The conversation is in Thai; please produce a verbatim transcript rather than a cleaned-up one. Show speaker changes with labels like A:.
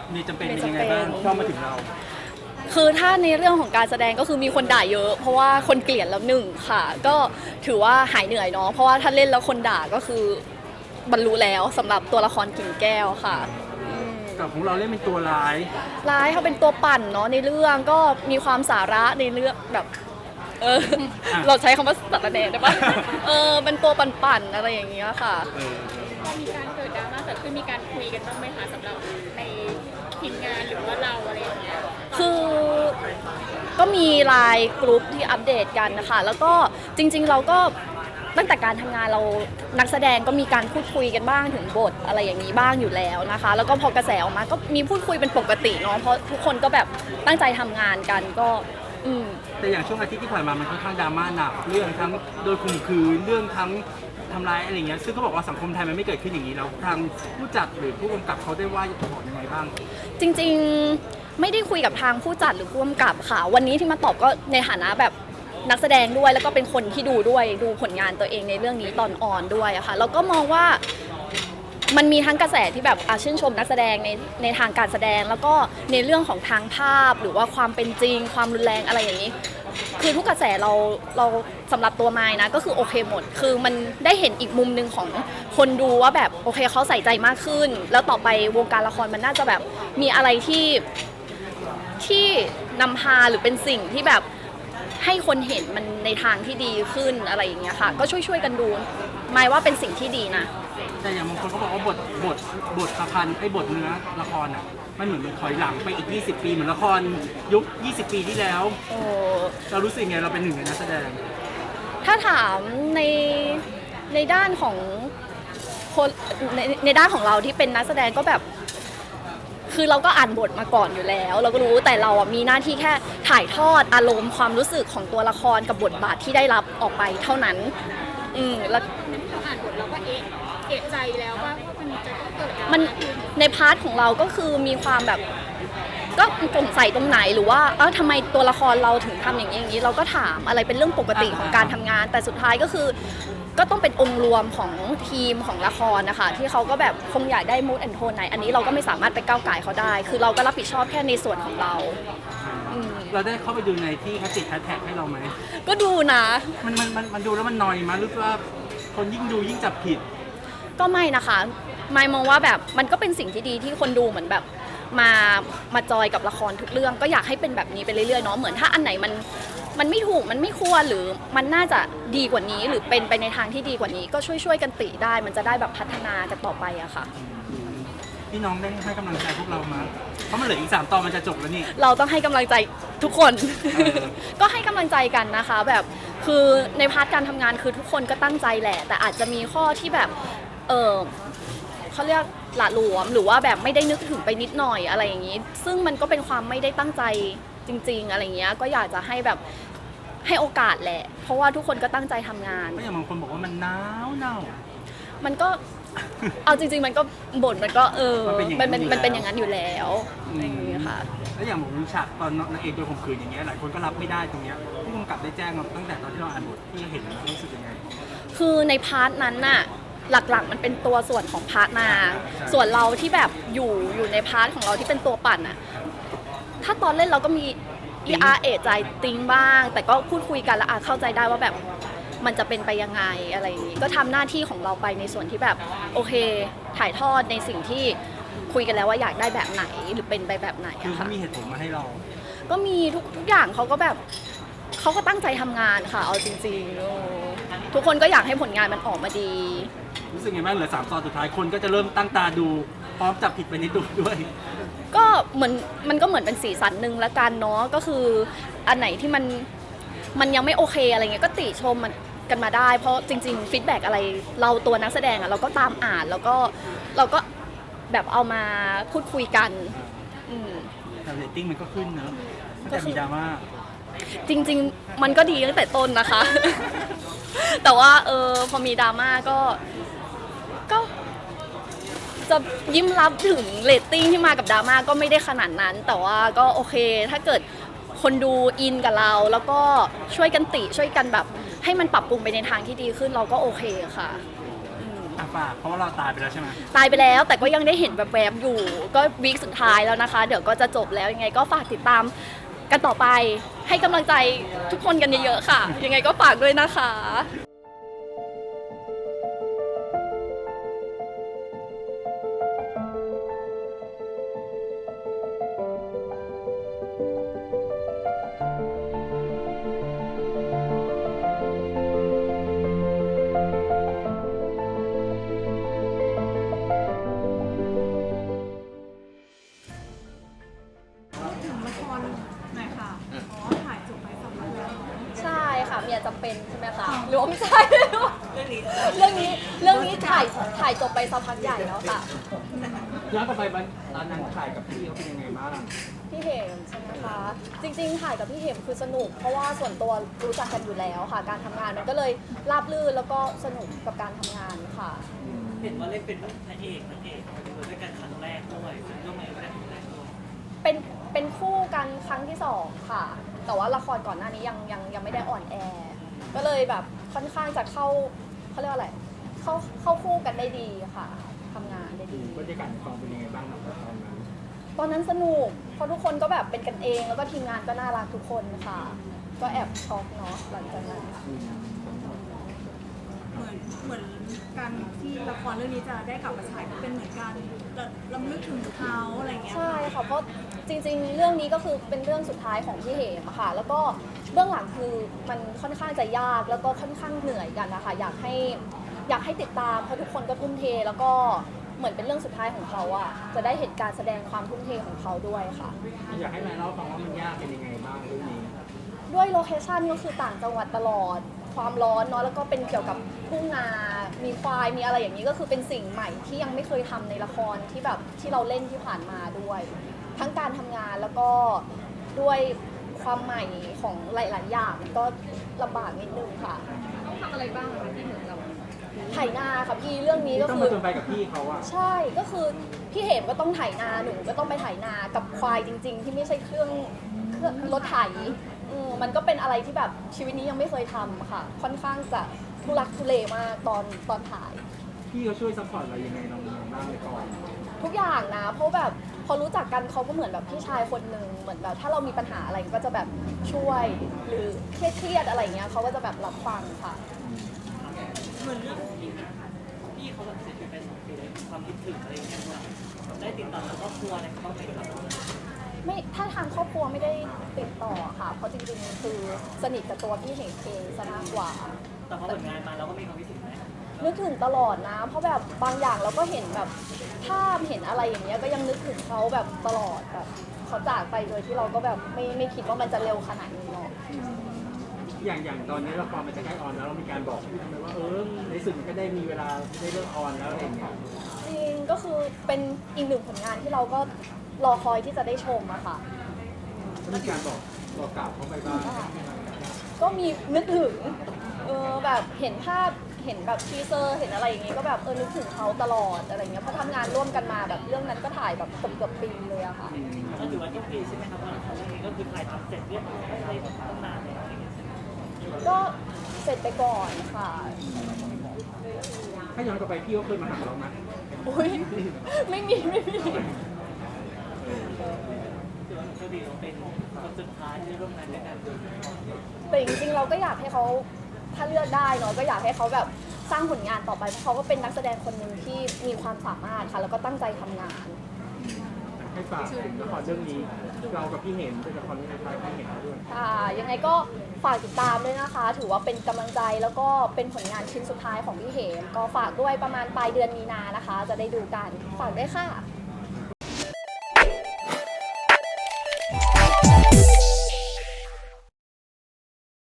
A: มีจำเป็นเป็นยังไงบ้างเข้ามาถึงเรา
B: คือถ้าในเรื่องของการแสดงก็คือมีคนด่าเยอะเพราะว่าคนเกลียดแล้วหนึ่งค่ะก็ถือว่าหายเหนื่อยเนาะเพราะว่าถ้าเล่นแล้วคนด่าก็คือบรรลุแล้วสำหรับตัวละครกิ่งแก้วค่ะ
A: กับของเราเล่นเป็นตัวร้าย
B: ร้ายเขาเป็นตัวปั่นเนาะในเรื่องก็มีความสาระในเรื่องแบบเออเราใช้คำว่าสารแหน่ได้ปะเออเป็นตัวปั่นๆอะไรอย่างเงี้ยค่ะ
C: มีการเกิดดราม่าเกิดขึ้นมีการคุยกันบ้างไหมคะสำหรับในทีมงานหรือว่าเราอะไรอย่างเงี้ย
B: คือก็มีไลน์กลุ่มที่อัปเดตกันนะคะแล้วก็จริงๆเราก็ตั้งแต่การทำงานเรานักแสดงก็มีการพูดคุยกันบ้างถึงบทอะไรอย่างนี้บ้างอยู่แล้วนะคะแล้วก็พอกระแสออกมาก็มีพูดคุยเป็นปกติเนาะเพราะทุกคนก็แบบตั้งใจทำงานกันก็อืม
A: แต่อย่างช่วงอาทิตย์ที่ผ่านมามันค่อนข้างดราม่าหนักเรื่องทั้งโดยข่มขืนเรื่องทั้งทำร้ายอะไรเงี้ยซึ่งเขาบอกว่าสังคมไทยมันไม่เกิดขึ้นอย่างนี้แล้วทางผู้จัดหรือผู้กำกับเขาได้ว่าบอกยังไงบ้าง
B: จริงๆไม่ได้คุยกับทางผู้จัดหรือผู้กำกับค่ะวันนี้ที่มาตอบก็ในฐานะแบบนักแสดงด้วยแล้วก็เป็นคนที่ดูด้วยดูผลงานตัวเองในเรื่องนี้ตอนออนด้วยอะค่ะแล้วก็มองว่ามันมีทั้งกระแสที่แบบชื่นชมนักแสดงในในทางการแสดงแล้วก็ในเรื่องของทางภาพหรือว่าความเป็นจริงความรุนแรงอะไรอย่างนี้คือทุกกระแสเราเราสำหรับตัวไม้นะก็คือโอเคหมดคือมันได้เห็นอีกมุมหนึ่งของคนดูว่าแบบโอเคเขาใส่ใจมากขึ้นแล้วต่อไปวงการละครมันน่าจะแบบมีอะไรที่ที่นำพาหรือเป็นสิ่งที่แบบให้คนเห็นมันในทางที่ดีขึ้นอะไรอย่างเงี้ยค่ะก็ช่วยๆกันดูหมายว่าเป็นสิ่งที่ดีนะ
A: แต่อย่างบางคนเขาบอกว่าบทบทบทประพันธ์ไอ้บทเนื้อละครอ่ะมันเหมือนมันถอยหลังไปอีกยี่สิบปีเหมือนละครยุคยี่สิบปีที่แล้ว
B: โอ้
A: เรารู้สึกไงเราเป็นหนึ่งในนักแสดง
B: ถ้าถามในในด้านของคนในในด้านของเราที่เป็นนักแสดงก็แบบคือเราก็อ่านบทมาก่อนอยู่แล้วเราก็รู้แต่เราอ่ะมีหน้าที่แค่ถ่ายทอดอารมณ์ความรู้สึกของตัวละครกับบทบาทที่ได้รับออกไปเท่านั้นอืมแล้ว
C: เราอ่านบทเราก็เอ๊ะเอะใจแล้วว่ามันจะต้องเกิด
B: มันในพาร์ทของเราก็คือมีความแบบก็สงสัยตรงไหนหรือว่าเออทำไมตัวละครเราถึงทำอย่างนี้อย่างนี้เราก็ถามอะไรเป็นเรื่องปกติของการทำงานแต่สุดท้ายก็คือก็ต้องเป็นองค์รวมของทีมของละครนะคะที่เขาก็แบบคงอยากได้มูดแอนโทนไหนอันนี้เราก็ไม่สามารถไปก้าวไก่เขาได้คือเราก็รับผิดชอบแค่ในส่วนของเรา
A: เราได้เข้าไปดูในที่เขาติดแฮชแท็กให้เราไหม
B: ก็ดูนะ
A: มันมันมันมันดูแล้วมันนอยมั้ยหรือว่าคนยิ่งดูยิ่งจับผิด
B: ก็ไม่นะคะไม่มองว่าแบบมันก็เป็นสิ่งที่ดีที่คนดูเหมือนแบบมามาจอยกับละครทุกเรื่องก็อยากให้เป็นแบบนี้ไปเรื่อยๆเนาะเหมือนถ้าอันไหนมันมันไม่ถูกมันไม่ควรหรือมันน่าจะดีกว่านี้หรือเป็นไปในทางที่ดีกว่านี้ก็ช่วยๆกันติได้มันจะได้แบบพัฒนากันต่อไปอะค่ะ
A: พี่น้องได้ให้กำลังใจพวกเรามาเพราะมันเหลืออีกสามตอนมันจะจบแล้วนี่
B: เราต้องให้กำลังใจทุกคนก็ให้กำลังใจกันนะคะแบบคือในพาร์ทการทำงานคือทุกคนก็ตั้งใจแหละแต่อาจจะมีข้อที่แบบเออเขาเรียกหละหลวมหรือว่าแบบไม่ได้นึกถึงไปนิดหน่อยอะไรอย่างนี้ซึ่งมันก็เป็นความไม่ได้ตั้งใจจริงๆอะไรเงี้ยก็อยากจะให้แบบให้โอกาสแหละเพราะว่าทุกคนก็ตั้งใจทำงาน
A: ก็อย่างบางคนบอกว่ามันหนาวหนาว
B: มันก็เอาจริงๆมันก็บ่นมันก็เออมันเป็นมันเป็นอย่างนั้นอยู่แล้วอย่างนี้ค่ะ
A: แล้วอย่างผมฉากตอนนางเอกโดนข่มขืนอย่างเงี้ยหลายคนก็รับไม่ได้ตรงเนี้ยผู้กำกับได้แจ้งเราตั้งแต่ตอนที่เราอ่านบทที่เห็นรู้สึกยังไง
B: คือในพาร์ทนั้นน่ะหลักๆมันเป็นตัวส่วนของพาร์ทนางส่วนเราที่แบบอยู่อยู่ในพาร์ทของเราที่เป็นตัวปั่นอะถ้าตอนเล่นเราก็มีอีอาร์เอใจติ้งบ้างแต่ก็พูดคุยกันแล้วอาเข้าใจได้ว่าแบบมันจะเป็นไปยังไงอะไรอย่างนี้ก็ทำหน้าที่ของเราไปในส่วนที่แบบโอเคถ่ายทอดในสิ่งที่คุยกันแล้วว่าอยากได้แบบไหนหรือเป็นไปแบบไหน
A: คือเขามีเหตุผลมาให้เรา
B: ก็มีทุกทุกอย่างเขาก็แบบเขาก็ตั้งใจทำงานค่ะเอาจริงๆทุกคนก็อยากให้ผลงานมันออกมาดี
A: รู้สึกไงบ้างเหลือสามตอนสุดท้ายคนก็จะเริ่มตั้งตาดูพร้อมจับผิดไปนิดด้วย
B: ก็เหมือนมันก็เหมือนเป็นสีสันหนึ่งละกันเนาะก็คืออันไหนที่มันมันยังไม่โอเคอะไรเงี้ยก็ติชมมันกันมาได้เพราะจริงๆฟีดแบ็กอะไรเราตัวนักแสดงอะเราก็ตามอ่านแล้วก็เราก็แบบเอามาพูดคุยกัน
A: แต่เรตติ้งมันก็ขึ้นเนอะแต่มีดราม่า
B: จริงๆมันก็ดีตั้งแต่ต้นนะคะแต่ว่าเออพอมีดราม่าก็ก็จะยิ้มรับถึงเรตติ้งที่มากับดราม่าก็ไม่ได้ขนาดนั้นแต่ว่าก็โอเคถ้าเกิดคนดูอินกับเราแล้วก็ช่วยกันติช่วยกันแบบให้มันปรับปรุงไปในทางที่ดีขึ้นเราก็โอเคค่ะ
A: แอ่ะฝากเพราะว่าเราตายไปแล้วใช่ไหม
B: ตายไปแล้วแต่ก็ยังได้เห็นแบบแวบๆอยู่ ก็วีคสุดท้ายแล้วนะคะ เดี๋ยวก็จะจบแล้วยังไงก็ฝากติดตามกันต่อไป ให้กำลังใจทุกคนกันเยอะๆค่ะ ยังไงก็ฝากด้วยนะคะ
D: ถึงละครหน่อยค่ะ อ๋อ ถ่ายจบไปสำเร็จแล้ว
B: ใช่ค่ะเมียจำเป็นใช่ไหมคะหรือว่าไม่ใช่เรื่องนี้เรื่องนี้เรื่องนี้ถ่ายถ่ายจบไปสักพักใหญ่แล้วค่ะ
A: ย้อนกลับไปวันตอนนั้นถ่ายกับพี่เขาเป็นยังไงบ้าง
B: พี่เหมใช่ไหมคะจริงๆถ่ายกับพี่เหมคือสนุก เพราะว่าส่วนตัวรู้จักกันอยู่แล้วค่ะ การทำงานมันก็เลยราบรื่นแล้วก็สนุกกับการทำงานค่ะ
E: เห็นว่าเล่นเป็นพระเอกนางเอกด้วยกันครั้งแรกด้วยร่วมงานด้วยกันครั้งแรกด้วย
B: เป็นเป็นคู่กันครั้งที่สองค่ะ แต่ว่าละครก่อนหน้านี้ยังยังยังไม่ได้อ่อนแอ ก็เลยแบบค่อนข้างจะเข้าเขาเรียกว่าอะไรเข้าเข้าคู่กันได้ดีค่ะทำงานได้ดี
A: บรรยากาศในกองเป็นยังไงบ้างครับตอนนั้น
B: ตอนนั้นสนุกเพราะทุกคนก็แบบเป็นกันเอง แล้วก็ทีมงานก็น่ารักทุกคนค่ะ ก็แอบช็อกเนาะหลังจากนั้น
D: เหมือนเหมือนการที่ละครเรื่องนี้จะได้กลับมาฉายก็เป็นเหมือนการระลำลึกถึงเขาอะไรเงี้ย
B: ใช่ค่ะเพราะจริงๆ เรื่องนี้ก็คือเป็นเรื่องสุดท้ายของพี่เหมอะค่ะ แล้วก็เบื้องหลังคือมันค่อนข้างจะยากแล้วก็ค่อนข้างเหนื่อยกันนะคะอยากให้อยากให้ติดตามเพราะทุกคนก็ทุ่มเท แล้วก็เหมือนเป็นเรื่องสุดท้ายของเขาอะจะได้เห็นการแสดงความทุ่มเทของเขาด้วยค่ะ
A: อยากให้นายเล่าฟังว่ามันยากเป็นยังไงบ้างเรื่องนี้
B: ด้วยโลเคชันก็คือต่างจังหวัดตลอดความร้อนเนาะแล้วก็เป็นเกี่ยวกับทุ่งนา มีควายมีอะไรอย่างนี้ก็คือเป็นสิ่งใหม่ที่ยังไม่เคยทำในละครที่แบบที่เราเล่นที่ผ่านมาด้วย ทั้งการทำงานแล้วก็ด้วยความใหม่ของหลายๆอย่างมันก็ลำบากนิดนึงค่ะ
D: ต้องทำอะไรบ้างคะที่เหมือนกับ
B: ไถนาค่ะพี่เรื่องนี้ก็
A: ต้อง
B: คื
A: มา
B: อ
A: จนไปกับพี่เขาอะ
B: ใช่ก็คือพี่เหมก็ต้องไถนาหนูก็ต้องไปไถนากับควายจริง ๆ ที่ไม่ใช่เครื่องเครื่องรถไถอืมมันก็เป็นอะไรที่แบบชีวิตนี้ยังไม่เคยทำค่ะ ค่อนข้างจะทุลักทุเลมากตอนตอนถ่าย
A: พี่เขาช่วยซัพพอร์ตเรายังไงเราบ้างในกอง
B: ทุกอย่างนะ เพราะแบบพอรู้จักกันเขาก็เหมือนแบบพี่ชายคนหนึ่งเหมือนแบบถ้าเรามีปัญหาอะไรก็จะแบบช่วย หรือเครียดๆอะไรเงี้ยเขาก็จะแบบรับฟังค่ะ
E: เหมือนเรื่องพี่เขาแบบเสียชีวิตไปสองปีเลยความคิดถึงอะไรอย่างเงี้ยว่าได้ติดต่อกับครอบครัวอะไรเขาไหมครับ
B: ไม่ถ้าทางครอบครัวไม่ได้ติดต่อค่ะ เพราะจริงๆคือสนิทกับตัวพี่เหงเองซะมากกว่า
E: แต่พอผลงานมาเราก็มีความคิดถึงไหม
B: นึกถึงตลอดนะ เพราะแบบบางอย่างเราก็เห็นแบบภาพเห็นอะไรอย่างเงี้ยก็ยังนึกถึงเขาแบบตลอดแบบเขาจากไปโดยที่เราก็แบบไม่ไม่คิดว่ามันจะเร็วขนาดนี้หรอก
A: อย่างอย่างตอนนี้ละครมันจะใกล้ออนแล้วเรามีการบอกพี่ทำไมว่าเออในสุดมันก็ได้มีเวลาได้เลิกออนแล้วอะไรอย่างเงี้ย
B: จริงก็คือเป็นอีกหนึ่งผลงานที่เราก็รอคอยที่จะได้ชมอะค่ะ
A: ก็มีการบอกบอกกล่าวเขาไปบ้าง
B: ก็มีนึกถึงเออแบบเห็นภาพเห็นแบบทีเซอร์เห็นอะไรอย่างงี้ก็แบบเออนึกถึงเขาตลอดอะไรเงี้ยเพราะทำงานร่วมกันมาแบบเรื่องนั้นก็ถ่ายแบบเกือบเกือบปีเลยอะค่ะ
E: ก็ถือว่าทุกปีใช่ไหมครับว่าละครเรื่องนี้ก็คือถ่ายทำเสร็จเรียบร้อยได้ตั้งนานแล้วอะไรอย่างเงี้ย
B: ก็เสร็จไปก่อนค่ะ
A: ถ้าย้อนกลับไปพี่เขาเคยมาหาเราไหม
B: อุ้ยไม่มีไม่มี
E: ถือว่าโชคดีเราเป็นคนสุดท้ายที่ร่วมงานด้วยกัน
B: แต่จริงๆเราก็อยากให้เขาถ้าเลือกได้เนาะก็อยากให้เขาแบบสร้างผลงานต่อไปเพราะเขาก็เป็นนักแสดงคนหนึ่งที่มีความสามารถค่ะ แล้วก็ตั้งใจทำงาน
A: ให้ฝากถึงละครเรื่องนี้เรากับพี่เห็นเป็นละครเรื่องท้ายพี่เห็นด้วย
B: ค่ะยังไงก็ฝากติดตามด้วยนะคะ ถือว่าเป็นกำลังใจแล้วก็เป็นผลงานชิ้นสุดท้ายของพี่เหมก็ฝากด้วยประมาณปลายเดือนมีนานะคะ จะได้ดูกันฝากด้วยค่ะ